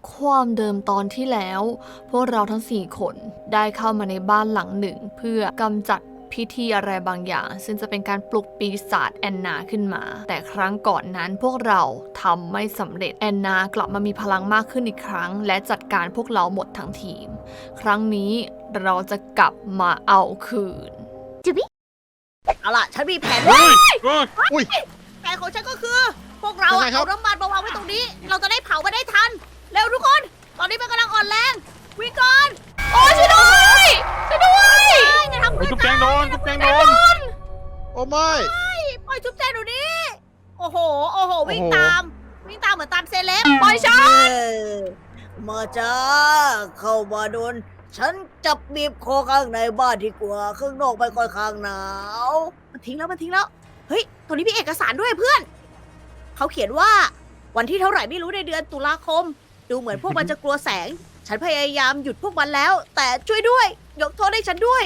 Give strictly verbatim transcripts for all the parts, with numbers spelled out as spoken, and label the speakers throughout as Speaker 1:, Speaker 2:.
Speaker 1: ความเดิมตอนที่แล้ว พวกเราทั้งสี่คนได้เข้ามาในบ้านหลังหนึ่งเพื่อกำจัดพิธีอะไรบางอย่าง ซึ่งจะเป็นการปลุกปีศาจแอนนาขึ้นมา แต่ครั้งก่อนนั้นพวกเราทำไม่สำเร็จแอนนากลับมามีพลังมากขึ้นอีกครั้ง และจัดการพวกเราหมดทั้งทีม ครั้งนี้เราจะกลับมาเอาคืน
Speaker 2: เอาล่ะ ฉันมีแผน
Speaker 3: เฮ้ยเฮ้ย
Speaker 4: อุ้ย
Speaker 2: แผนของฉันก็คือ พวกเรา
Speaker 4: ยัง
Speaker 2: อะ
Speaker 4: ไงครับ
Speaker 2: เอาน้ำมันมาวางไว้ตรงนี้ เราจะได้เผามาได้ทัน เร็วทุกคน ตอนนี้มันกำลังอ่อนแรง วิ่งก่อน
Speaker 1: โอ้ยช่วยด้วยช่วยด้วย
Speaker 2: จะทำ
Speaker 3: เฮ้ย
Speaker 2: เพื่อน
Speaker 3: จุ๊บแจงโดนจุ๊บแจงโดน
Speaker 4: โอ้ไม่
Speaker 2: ปล่อยจุ๊บแจงเดี๋ยวนี้ โอ้โห โอ้โห วิ่ง
Speaker 4: โอ้โห
Speaker 2: ตาม วิ่งตามเหมือนตามเซเลบ
Speaker 1: ปล่อยฉัน
Speaker 2: มาจ้า เข้ามาโดน ฉันจับบีบคอข้างในบ้านดีกว่า ข้างนอกไม่ค่อยข้างหนาว มันทิ้งแล้วมันทิ้งแล้ว เฮ้ย ตรงนี้มีเอกสารด้วยเพื่อน เขาเขียนว่า วันที่เท่าไหร่ไม่รู้ในเดือนตุลาคม ดูเหมือนพวกมันจะกลัวแสง ฉันพยายามหยุดพวกมันแล้ว แต่ช่วยด้วย ยกโทษให้ฉันด้วย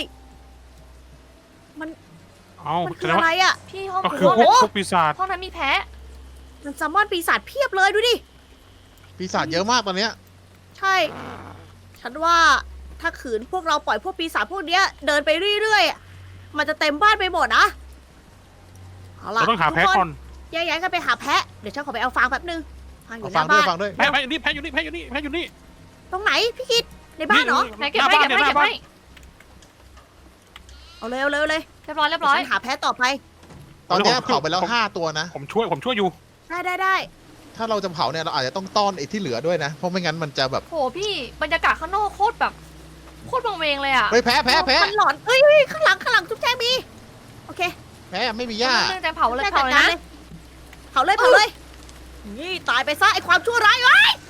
Speaker 3: เอา
Speaker 2: มัน
Speaker 3: แส
Speaker 2: คือ
Speaker 3: ดง
Speaker 2: อะ
Speaker 3: ว่า
Speaker 2: ไรอะ
Speaker 1: พี่ห้อง
Speaker 3: ก็
Speaker 1: คือ
Speaker 3: คือ
Speaker 1: ห้อง
Speaker 3: พวก
Speaker 1: นั้น
Speaker 3: พวกปีศาจ
Speaker 1: ห้องนั้นมีแพะ
Speaker 2: มันซัมมอนปีศาจเพียบเลยดูดิ
Speaker 4: ปีศาจเยอะมากตอนเนี้ย
Speaker 2: ใช่ ฉันว่าถ้าขืนพวกเราปล่อยพวกปีศาจพวกเนี้ยเดินไปเรื่อยๆอะมันจะเต็มบ้านไปหมดนะ เอาล่ะ
Speaker 3: เราต้องหาแพ้
Speaker 2: ทุ
Speaker 3: ก่อน
Speaker 2: แยกย้ายกันไปหาแพะ เดี๋ยวฉันขอไปเอาฟางแป๊บนึง ฟางอ
Speaker 4: เอา
Speaker 2: ยู่ห
Speaker 4: ฟั
Speaker 2: น้าง
Speaker 4: ด้วย
Speaker 2: บ้าน
Speaker 4: ฟังด้วย
Speaker 3: แพ้แพ้อยู่นี่แพ้อยู่นี่แพ้อยู่นี่แพ้อยู่นี่
Speaker 2: ตรงไหนพี่คิด ในบ้านเหรอ
Speaker 1: ไหนเก็บให้เก็บให้เก็บให้
Speaker 2: เอาเร็วเร็วเลย
Speaker 1: เรียบร้อยเรียบ
Speaker 2: เดี๋ยว
Speaker 1: ร้อย
Speaker 2: ฉันหาแพะต่อไป
Speaker 4: ตอนเนี้ยเผาไปแล้วห้าตัวนะ
Speaker 3: ผมช่วยผมช่วยอยู่
Speaker 2: ได้ได้ได้
Speaker 4: ถ้าเราจะเผาเนี่ยเราอาจจะต้องต้อนไอ้ที่เหลือด้วยนะ เพราะไม่งั้นมันจะแบบ
Speaker 1: โหพี่บรรยากาศข้างนอกโคตรแบบโคตรบังเวงเลยอ่ะ
Speaker 4: เฮ้ยแพ้แพ้แพ้
Speaker 2: มันหลอนเอ้ยเอ้ยข้างหลังข้างหลังทุกแจ้งมี โอเค
Speaker 4: แพ้ไม่มีหญ้า
Speaker 1: เรื่องแต่เผาเลย
Speaker 2: ได้
Speaker 1: เผาเลย
Speaker 2: จัดกร
Speaker 1: นะ
Speaker 2: เผาเลยเผาเลย นี่ตายไปซะไอความชั่วร้ายเอ้ย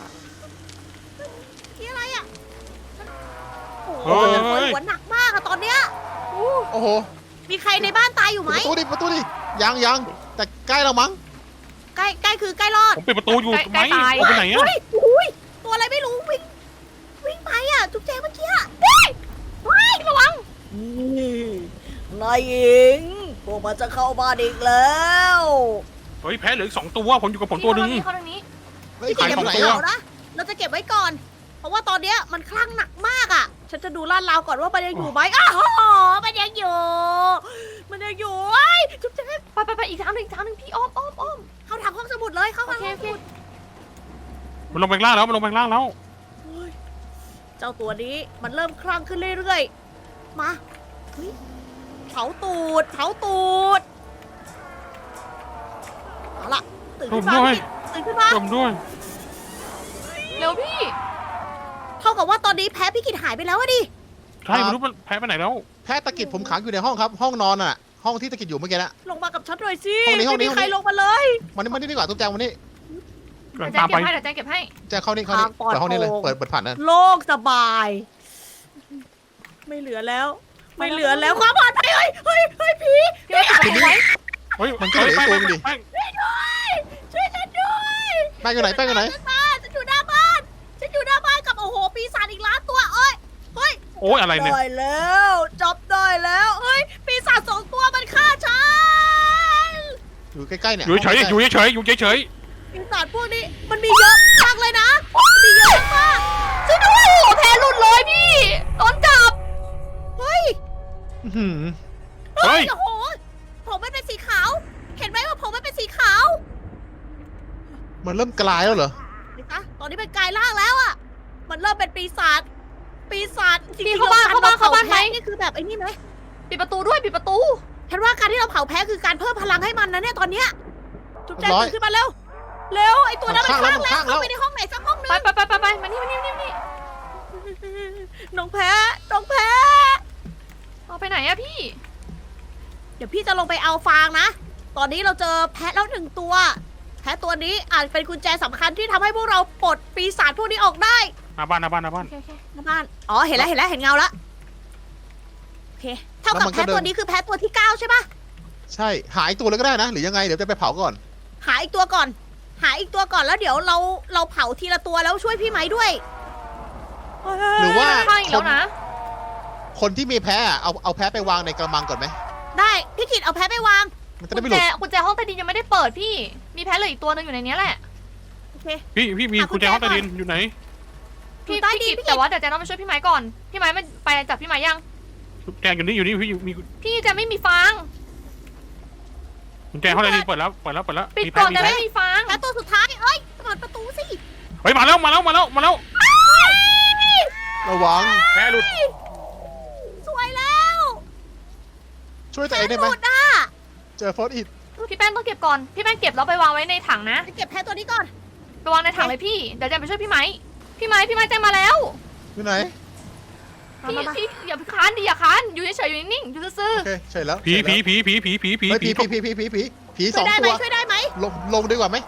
Speaker 2: นี่อะไรอ่ะโอ้โห
Speaker 3: เฮ้ย
Speaker 2: มันปวดหัวหนักมากอะตอนเนี้ย
Speaker 4: โอ้โห
Speaker 2: มีใครในบ้านตายอยู่ไหม
Speaker 4: ประตูดิประตูดิยังยังแต่ใกล้เรามั้ง
Speaker 2: ใกล้ใกล้คือใกล้รอด
Speaker 3: ผมปิดประตูอยู่ไหมผมไปไหนอะ
Speaker 2: เฮ้ยอุ้ยตัวอะไรไม่รู้วิ่งวิ่งไปอ่ะจุ๊บแจงเมื่อกี้อะเฮ้ยเฮ้ยระวังนายหญิงพวกมันจะเข้าบ้านอีกแล้ว
Speaker 3: เฮ้ยแพ้เหลืออีกสองตัวผมอยู่กับผม
Speaker 1: พี่
Speaker 3: ตัวหนึง
Speaker 1: เข้าทางนี้
Speaker 4: เฮ้ย
Speaker 2: พี่กิ
Speaker 4: ขาน ย
Speaker 2: อย่า
Speaker 4: ไป
Speaker 2: เพิ่ง
Speaker 4: ไหน
Speaker 2: เผา
Speaker 4: อะ
Speaker 2: นะเราจะเก็บไว้ก่อน เพราะว่าตอนเนี้ยมันคลั่งหนักมากอ่ะ ฉันจะดูลาดราวก่อนว่ามันยังอยู่ไหมอ้าวโหมันยังอยู่ มันยังอยู่ไอ้ยจุ๊บแจง
Speaker 1: ไปไปไปอีกทางหนึงอีกทางหนึงพี่อ้อมอ้อมอ้อม
Speaker 2: เข้าทางห้องสมุดเลยเข้า
Speaker 1: โอ
Speaker 2: ทาง
Speaker 1: เค
Speaker 2: ห้อง
Speaker 1: โอ
Speaker 2: ส
Speaker 1: เค
Speaker 2: มุด
Speaker 3: มันลงไปข้างล่างแล้วมันลงไปข้างล่างแล้ว
Speaker 2: เฮ้ยเจ้าตัวนี้มันเริ่มคลั่งขึ้นเรื่อยๆ มาเฮ้ยเผาตูดเผาตูด เอาล่ะตื่นขึ้นมา
Speaker 3: ผมด้วย
Speaker 2: พี่ตื่นขึ้นมา
Speaker 3: จมด้วย
Speaker 1: เร็วพี่
Speaker 2: เท่ากับว่าตอนนี้แพ้พี่กิจหายไปแล้วอะดิ
Speaker 3: ใช่ไม่รู้มันแพ้ไปไหนแล้ว
Speaker 4: แพ้ตะกิดผมขังอยู่ในห้องครับ ห้องนอนอ่ะ ห้องที่ตะกิดอยู่เมื่อกี้นะ
Speaker 2: ลงมากับฉันหน่อยสิ
Speaker 4: ห้องนี้ห้องนี้
Speaker 2: ไม่มีใคร
Speaker 4: ห้องนี้
Speaker 2: ลงมาเลย
Speaker 4: มันนี่มันนี่ดีกว่าตุ๊กแจงวันนี้
Speaker 1: เดี๋ยวแจ
Speaker 3: ตาง ม
Speaker 1: เก็
Speaker 3: ไป
Speaker 1: บให้เดี๋ยวแจงเก็บให้
Speaker 4: แจงเข้านี่เข้านี่
Speaker 2: ทางปลอด
Speaker 4: เปิดห้องนี้เลย
Speaker 2: โปร่ง
Speaker 4: เปิดเปิดผ่านนั่น
Speaker 2: โล่งสบาย ไม่เหลือแล้ว ไม่เหลือแล้วความปลอดภัยเฮ้ยเฮ้ยเฮ้ยผี
Speaker 1: พี่ว่าตัดผมไว้
Speaker 3: เฮ้ย
Speaker 4: มันก็เหลือตัวนึงดิ
Speaker 3: แป้ง
Speaker 2: ช่วยด้วยช่วยฉันด้วย
Speaker 4: แป้งอยู่ไหนแป้งอยู่ไหน
Speaker 2: ฉันมาฉันอยู่หน้าบ้านฉันอยู่หน้าบ้านกับโอ้โหปีศาจอีกล้านตัวเอ้ยเฮ้ย
Speaker 3: โอ้ยอะไรเนี่ย
Speaker 2: ได้แล้วจับได้แล้วเฮ้ยปีศาจสองตัวมันฆ่าฉัน
Speaker 4: อยู่ใกล้ๆเนี่ย
Speaker 3: อยู่เฉยๆอยู่เฉยๆอยู่เฉย
Speaker 2: ปีศาจพวกนี้มันมีเยอะมากเลยนะมันมีเยอะมาก
Speaker 1: ช่วยด้วยโอ้โหแพ้หลุดเลยพี่โดนจับ
Speaker 2: เฮ้ย
Speaker 4: อื้อหือ
Speaker 3: ๆเฮ้ย
Speaker 2: โอ้โหผมมันเป็นสีขาว เห็นไหมว่าผมมันเป็นสีขาว
Speaker 4: มันเริ่มกลายแล้วเหรอ
Speaker 2: นี่คะตอนนี้เป็นกายร่างแล้วอ่ะ มันเริ่มเป็นปีศาจ ปีศาจจริง
Speaker 1: พี่
Speaker 2: ๆ
Speaker 1: เข้าบ้าน
Speaker 2: ร
Speaker 1: เข้าบ้านเข้าบ้านไหม
Speaker 2: แพ้นี่คือแบบไอ้นี่ไหม
Speaker 1: ปิดประตูด้วยปิดประตู
Speaker 2: ฉันว่าการที่เราเผาแพ้คือการเพิ่มพลังให้มันนะเนี่ยตอนเนี้ย จุ๊บแจ๊
Speaker 4: ร้อย
Speaker 2: ตื่นขึ้นมาเร็ว เร็วไอ้ตัวนั้นมัน
Speaker 4: มัน
Speaker 2: ข้าง
Speaker 4: ข้างแล้วมันข้างแล้ว
Speaker 2: แล้วเข้าไปในห้องไหนสักห้องหนึ
Speaker 1: ไป
Speaker 2: ง
Speaker 1: ไปไปไปไปมานี่มานี่มานี่มานี่
Speaker 2: น้องแพ้น้องแพ้
Speaker 1: เอาไปไหนอะพี่
Speaker 2: เดี๋ยวพี่จะลงไปเอาฟางนะ ตอนนี้เราเจอแพะแล้วหนึ่งตัว แพะตัวนี้อาจเป็นกุญแจสำคัญที่ทำให้พวกเราปลดปีศาจพวกนี้ออกได้
Speaker 3: หน้าบ้านหน้าบ้านหน้าบ้าน
Speaker 1: โอเคโอเค
Speaker 2: หน้าบ้าน อ๋อ เห็นแล้ว เห็นแล้ว เห็นเงาแล้ว โอเค เท่ากับแพะตัวนี้คือแพะตัวที่เก้าใช่ปะ
Speaker 4: ใช่หายตัวเลยก็ได้นะ หรือยังไงเดี๋ยวจะไปเผาก่อน
Speaker 2: หาอีกตัวก่อน หาอีกตัวก่อนแล้วเดี๋ยวเรา เราเผาทีละตัวแล้วช่วยพี่ไหมด้วย
Speaker 4: หรือว่า
Speaker 1: ข้างอีกแล้วนะ
Speaker 4: คนที่มีแพ้อะเอาเอาแพ้ไปวางในกระมังก่อนไหม
Speaker 2: ได้ พี่กิดเอาแพะไปวาง
Speaker 4: มันจะ ได้ไม่ห
Speaker 1: กุญแจ
Speaker 4: ลุด
Speaker 1: กุญแจห้องใต้ดินยังไม่ได้เปิดพี่ มีแพ้เหลืออีกตัวหนึงอยู่ในนี้แหละ
Speaker 2: โเค
Speaker 3: พี่พี่มี
Speaker 2: หากุ
Speaker 3: กุ
Speaker 2: ญ
Speaker 3: ญ
Speaker 2: แจ
Speaker 3: แจห้อง
Speaker 2: ก่
Speaker 3: ใต้
Speaker 2: อน
Speaker 3: ดินอยู่ไหน
Speaker 1: พี่
Speaker 2: อยู่ใต้
Speaker 1: พี่
Speaker 2: ดิน
Speaker 1: กิจ
Speaker 2: พี่กิจ
Speaker 1: แต่ว่าเดี๋ยวแจต้องไปช่วยพี่ไม้ก่อน พี่ไม้มันไปจับพี่ไม้ยัง
Speaker 3: กุญแจอยู่นี่อยู่นี่พี่มี
Speaker 1: พี่แจไม่มีฟาง
Speaker 3: กุญแจห้องใต้ดินเปิดแล้วเปิดแล้วเปิดแล้ว
Speaker 1: ปิด
Speaker 3: มี
Speaker 1: ก่อน
Speaker 3: มี
Speaker 1: แต่
Speaker 3: แพ้
Speaker 1: ไม่มีฟาง
Speaker 2: แพ้ตัวสุดท้าย เอ้ยเปิดประตูสิ
Speaker 3: เฮ้ยมาแล้วมาแล้วมาแล้วมาแล้ว
Speaker 4: ระวัง
Speaker 3: แพ้หลุด
Speaker 2: สวยแล้ว
Speaker 4: ช่วยตัวเองได้ไหม
Speaker 2: หลุดอ่ะ
Speaker 4: เจอเฟิร์สอิด
Speaker 1: พี่แป้งต้องเก็บก่อน พี่แป้งเก็บแล้วไปวางไว้ในถังนะ
Speaker 2: ไปเก็บแพ้ตัวนี้ก่อน
Speaker 1: ไปวางในถังเลยพี่ เดี๋ยวแจไปช่วยพี่ไม้ พี่ไม้พี่ไม้แจมาแล้ว
Speaker 4: อยู่ไหน
Speaker 2: มา
Speaker 1: พี่
Speaker 2: มามา
Speaker 1: พี่อย่าไปค้านดิอย่าค้านอยู่เฉยๆอยู่นิ่งๆอยู่ซื่อ
Speaker 4: โอเคใช่แล้ว
Speaker 3: ผี
Speaker 4: ใช่
Speaker 3: ผี
Speaker 4: แล้ว
Speaker 3: ผีผีผีผีผี
Speaker 4: เฮ้ย
Speaker 3: ผี
Speaker 4: ผีผีผีผีผีผีผีส
Speaker 2: ช่
Speaker 4: อ
Speaker 2: วย
Speaker 4: ง
Speaker 2: ได้ไหม
Speaker 4: ตัว
Speaker 2: ช่วยได้ไหม
Speaker 4: ลงลงดีกว่าไหม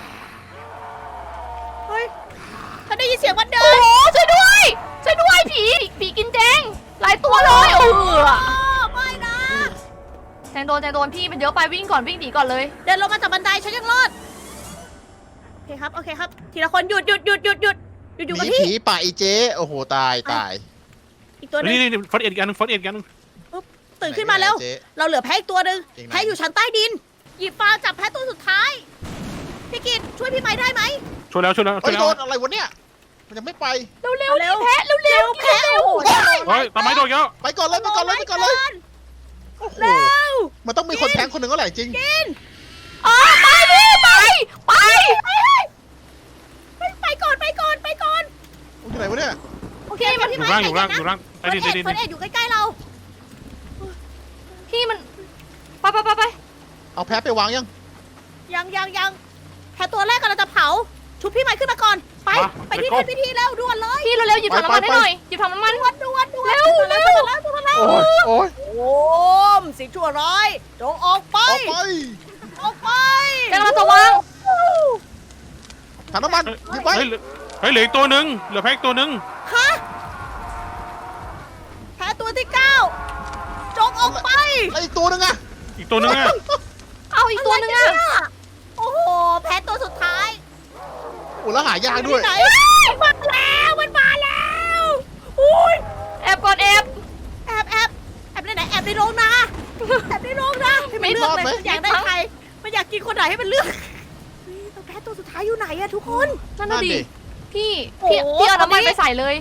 Speaker 2: เฮ้ยฉันได้ยินเสียงมัน
Speaker 1: ๆ
Speaker 2: เดิ
Speaker 1: โอ้
Speaker 2: น
Speaker 1: โหช่วยด้วย ช่วยด้วยผีผีกินแจงหลายตัวเลยเออ
Speaker 2: โอ้ไม่นะ
Speaker 1: แจงโดนแจงโดนพี่มันเยอะไปวิ่งก่อนวิ่งหนีก่อนเลย
Speaker 2: เดินลงมาจากบันไดฉันยังรอด โอเคครับ โอเคครับ ทีละคนหยุดหยุดหยุดหยุดหยุดหยุดอยู่
Speaker 4: ห
Speaker 2: กับ
Speaker 4: นี
Speaker 2: ที่
Speaker 4: ผีป่าอีเจ๊โอ้โหตายตาย
Speaker 2: อีกตัวหนึง
Speaker 3: นี่นี่ฟอสเอ็ดอีกอันนึงฟอสเอ็ดอีกอันนึง
Speaker 2: ตื่นขึ้นมาแล้ว
Speaker 4: เจ๊
Speaker 2: เราเหลือแพ้อีกตัวหนึ่ง
Speaker 4: จริงนะ
Speaker 2: แพ้อยู่ชั้นใต้ดิน หยิบฟางจับแพ้ตัวสุดท้าย พี่กิตช่วยพี่ไม้ได้ไหม
Speaker 3: ช่วยแล้วช่วยแล้วช่
Speaker 4: เฮ้
Speaker 3: วย
Speaker 4: ย
Speaker 3: แล้
Speaker 4: โด
Speaker 3: วน
Speaker 4: อะไรวะเนี่ยมันยังไม่ไป
Speaker 1: เร็วๆ
Speaker 2: เร็
Speaker 1: เร็
Speaker 2: ว
Speaker 1: วแพ้เร็วเร็ว
Speaker 2: แพ้โอ้โห
Speaker 3: เฮ้ยตามไม้โดนแล้ว
Speaker 4: ไปก่อนเลยไปก่อนเลยไปก่อนเลยโอ้โห
Speaker 2: เร็ว
Speaker 4: มันต้องมีคนแทงคนหนึ่งก็แหละจริง
Speaker 2: กิน
Speaker 1: อ๋อไปพี่ไปไป
Speaker 2: ไปไปก่อนไปก่อนไปก่อน
Speaker 4: อยู่ไหนวะเนี่ย
Speaker 2: โอเคมาพี่
Speaker 3: อยู่
Speaker 2: ไม้
Speaker 3: ล่างอยู่ล่างอยู่ล่างใต้
Speaker 2: เฟิร์
Speaker 3: ดิ
Speaker 2: ส
Speaker 3: น ใต้ดิน
Speaker 2: เอ็ดเฟิร์สเอ็ดอยู่ใกล้ๆเรา
Speaker 1: พี่มันไปไปไปไป
Speaker 4: เอาแพ้ไปวางยัง
Speaker 2: ยังยังยังแพ้ตัวแรกกำลังจะเผา ชุบพี่ไม้ขึ้นมาก่อน ไป ไปที่แทนพิธีแล้วด่วนเลย
Speaker 1: พี่เร็วๆหยิบถังน้ำมันให้หน่อยหยิบถังน้ำมัน
Speaker 2: ด่วนด่วนด่วน
Speaker 1: เร็วเร็ว
Speaker 2: ด่วนแล้วด่วนแล้ว
Speaker 4: โอ้ยโอ้ย
Speaker 2: โอ้มสิ่งชั่วร้ายจงออกไป
Speaker 4: ออกไป
Speaker 2: ออกไป
Speaker 1: แจงกำลังจะวาง
Speaker 4: ถังน้ำมันหยิบไว้
Speaker 3: เฮ้ยเฮ้ยเหลืออีกตัวหนึ่งเหลือแพ้อีกตัวหนึ่ง
Speaker 2: ฮะแพ้ตัวที่เก้าจงออกไป
Speaker 4: แล้วอีกตัวหนึงอะ
Speaker 3: อีกตัวหนึ่งอะ
Speaker 1: เอาอีกตัวหนึงอะ
Speaker 2: ไรกันเนี่ยโอ้โห แพ้ตัวสุดท้าย
Speaker 4: โอ้แล้วหายากด้วย
Speaker 2: ไหนมันมาแล้ว มันมาแล้วอุ้ย
Speaker 1: แอบก่อนแอบ
Speaker 2: แอบแอบแอบในไหนแอบในโรงนาแอบในโรงนาให้มันเลือกเลยอยากได้ใครมันอยากกินคนไหนให้มันเลือกเฮ้ยตัวแพ้ตัวสุดท้ายอยู่ไหนอะทุกคน
Speaker 1: นั่นน่ะ
Speaker 4: นั่น
Speaker 1: ดิ
Speaker 4: ดิ
Speaker 1: พี่
Speaker 2: โอ้
Speaker 1: พี่
Speaker 2: โห
Speaker 1: พี่เอาน้ำมัน
Speaker 2: ตอนนี้
Speaker 1: ไปใส่เลย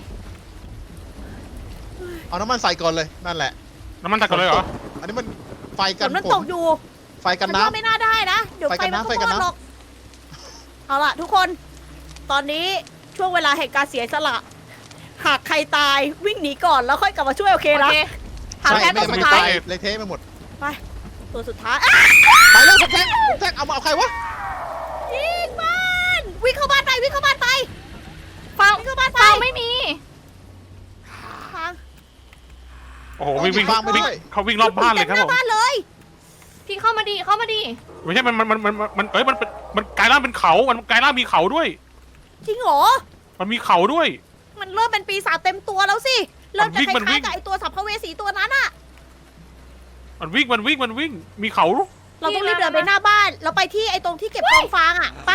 Speaker 4: เอาน้ำมันใส่ก่อนเลยนั่นแหละ
Speaker 3: น้ำมันตักกันเลยเหรอ
Speaker 4: อันนี้มันไฟ
Speaker 2: ฝ
Speaker 4: กัน
Speaker 2: นมัน
Speaker 4: ฝ
Speaker 2: ต
Speaker 4: น
Speaker 2: กอยู่
Speaker 4: ไฟกัน
Speaker 2: ฉั
Speaker 4: น้
Speaker 2: ว่าไม่น่าได้นะ เดี๋ยว
Speaker 4: ไฟ
Speaker 2: ไฟ
Speaker 4: กัน
Speaker 2: มัน
Speaker 4: น้ำ
Speaker 2: ก็
Speaker 4: ไฟกัน
Speaker 2: มอด
Speaker 4: น้ำ
Speaker 2: หรอก เอาล่ะทุกคน ตอนนี้ช่วงเวลาแห่งการเสียสละ หากใครตายวิ่งหนีก่อนแล้วค่อยกลับมาช่วยโอเค
Speaker 1: โอ
Speaker 2: นะ
Speaker 1: เค
Speaker 4: ำ
Speaker 1: ถาม
Speaker 4: ใช่
Speaker 1: แค่
Speaker 4: ไม่
Speaker 1: ตัว
Speaker 4: งั้น
Speaker 1: สุ
Speaker 4: มัน
Speaker 1: ด
Speaker 4: จะ
Speaker 1: ท้าย
Speaker 4: ตายเละเทะไปหมด
Speaker 2: ไป ตัวสุดท้ายอ่ะ
Speaker 4: ไปเลยผมแทงผมแทงเอามาเอาใครวะ
Speaker 2: ยิงบ้านวิ่งเข้าบ้านไปวิ่งเข้าบ้านไป
Speaker 1: ฟัง
Speaker 2: วิ่งเข้าบ้านไป
Speaker 1: ฟังไม่มี
Speaker 2: ฟัง
Speaker 3: โอ้โหวิ่งวิ่ง
Speaker 4: เอาหยิบวางไป
Speaker 3: วิ่ง
Speaker 4: ด้วย
Speaker 3: เขาวิ่งรอบบ้านเลยครับ
Speaker 2: ต็มห
Speaker 3: ผม
Speaker 2: น้าบ้านเลย
Speaker 1: พี่เข้ามาดีเข้ามาดี
Speaker 3: ไม่ใช่มันมันมันมันมันเอ้ยมันเป็นมันกลายร่างเป็นเขา มันกลายร่างมีเขาด้วย
Speaker 2: จริงเหรอ
Speaker 3: มันมีเขาด้วย
Speaker 2: มันเริ่มเป็นปีศาจเต็มตัวแล้วสิเริ่มจะค
Speaker 3: มันวิ่
Speaker 2: ล้าย
Speaker 3: ง
Speaker 2: ๆกับไอตัวสัมภเวสีตัวนั้นอะ
Speaker 3: มันวิ่งมันวิ่งมันวิ่งมีเขา
Speaker 2: เราต้องรีบเดินไปหน้าบ้าน เราไปที่ไอ้ตรงที่เก็บกองฟางอะไป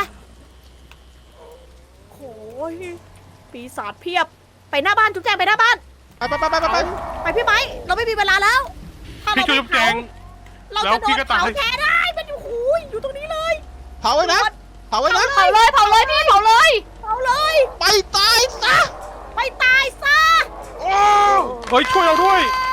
Speaker 2: โอ้ยปีศาจเพียบ ไปหน้าบ้านจุ๊บแจงไปหน้าบ้าน
Speaker 4: ไปไปไปไปไปไป
Speaker 2: ไปพี่ไม้เราไม่มีเวลาแล้ว ถ้า
Speaker 3: พี่
Speaker 2: เรา
Speaker 3: ช่วย
Speaker 2: ไม่
Speaker 3: แจ
Speaker 2: เผาง เรา
Speaker 3: แล้ว
Speaker 2: จะโด
Speaker 3: พี่
Speaker 2: น
Speaker 3: ก็ตาย
Speaker 2: เผาแทนได้ มันอยู่หูยอยู่ตรงนี้เลย
Speaker 4: เผาไว้นะเผาไว้นะ
Speaker 1: เผาเลยเผาเลยพี่เผาเลย
Speaker 2: เผาเลย
Speaker 4: ไปตายซะ
Speaker 2: ไปตายซะ
Speaker 3: โอ้เฮ้ยช่วยเราด้วย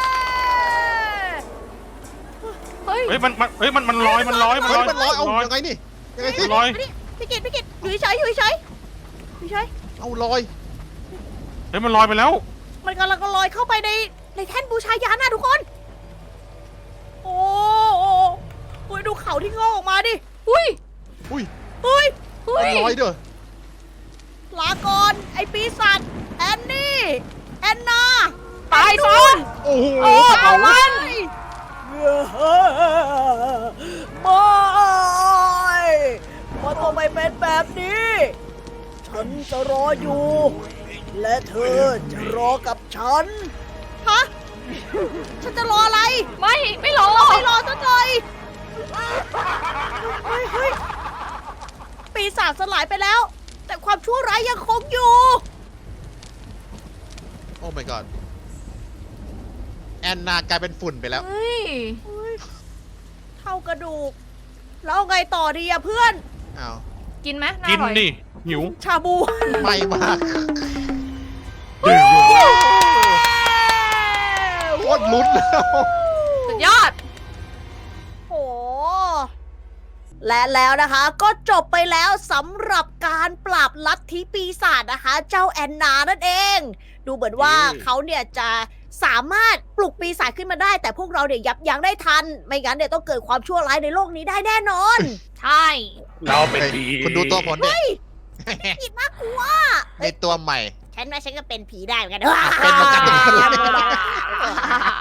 Speaker 1: เฮ้ย
Speaker 3: เฮ้ยมันมันเฮ้ยมันมันลอยมันลอยมัน
Speaker 4: เฮ้
Speaker 3: ล
Speaker 4: ย
Speaker 3: อย
Speaker 4: มันลอยเอา
Speaker 3: ลอย
Speaker 4: ยังไงนี่ยังไงสิ
Speaker 3: ลอย
Speaker 2: มานี่พี่กิตพี่กิตอยู่เฉยๆอยู่เฉยๆอยู่เฉย
Speaker 4: เอาลอย
Speaker 3: เฮ้ยมันลอยไปแล้ว
Speaker 2: มันกำลังลอยเข้าไปในในแท่นบูชายันนะทุกคน โอ้โหโอ้ยดูเขาที่งอกออกมาดิ
Speaker 1: อุ้ย
Speaker 4: อุ้ย
Speaker 2: เฮ้ย
Speaker 1: เฮ้
Speaker 4: มัน
Speaker 1: ย
Speaker 4: ลอยเด้อ
Speaker 2: ลาก่อนไอปีศาจแอนนี่แอนนา
Speaker 1: ตายซะ
Speaker 4: โอ้โห
Speaker 1: โอ้เผามัน
Speaker 2: ไม่มันต้องไม่เป็นแบบนี้ ฉันจะรออยู่ และเธอจะรอกับฉัน ฮะ ฉันจะรออะไร
Speaker 1: ไม่ไม่รอ
Speaker 2: ไม่รอสักหน่อยเฮ้ยเฮ้ยปีศาจสลายไปแล้ว แต่ความชั่วร้ายยังคงอยู่
Speaker 4: โอ้ my god แอนนากลายเป็นฝุ่นไปแล้ว
Speaker 1: เฮ้ย
Speaker 2: เท่ากระดูก แล้วเอาไงต่อดีอะเพื่อน
Speaker 4: อ้าว
Speaker 1: กินไหมน่า
Speaker 3: กิ
Speaker 1: อน ร่อย
Speaker 3: ดิหิว
Speaker 2: ชาบู
Speaker 4: ไม่มากโคตรลุ้นแล้ว
Speaker 1: สุดยอด
Speaker 2: โอ้และแล้วนะคะ ก็จบไปแล้วสำหรับการปราบลัทธิปีศาจนะคะ เจ้าแอนนานั่นเอง ดูเหมือนว่าเขาเนี่ยจะสามารถปลุกปีศาจขึ้นมาได้ แต่พวกเราเนี่ยยับยั้งได้ทัน ไม่งั้นเนี่ยต้องเกิดความชั่วร้ายในโลกนี้ได้แน่นอน
Speaker 1: ใช่
Speaker 3: เราเป็นผี
Speaker 4: คุณดูตัวผลดิ
Speaker 2: ผิดน่ากลัว
Speaker 4: ในตัวใหม่
Speaker 2: ฉันว่าฉันก็เป็นผีได้เหมือนกัน
Speaker 4: เป็นเหมือนกัน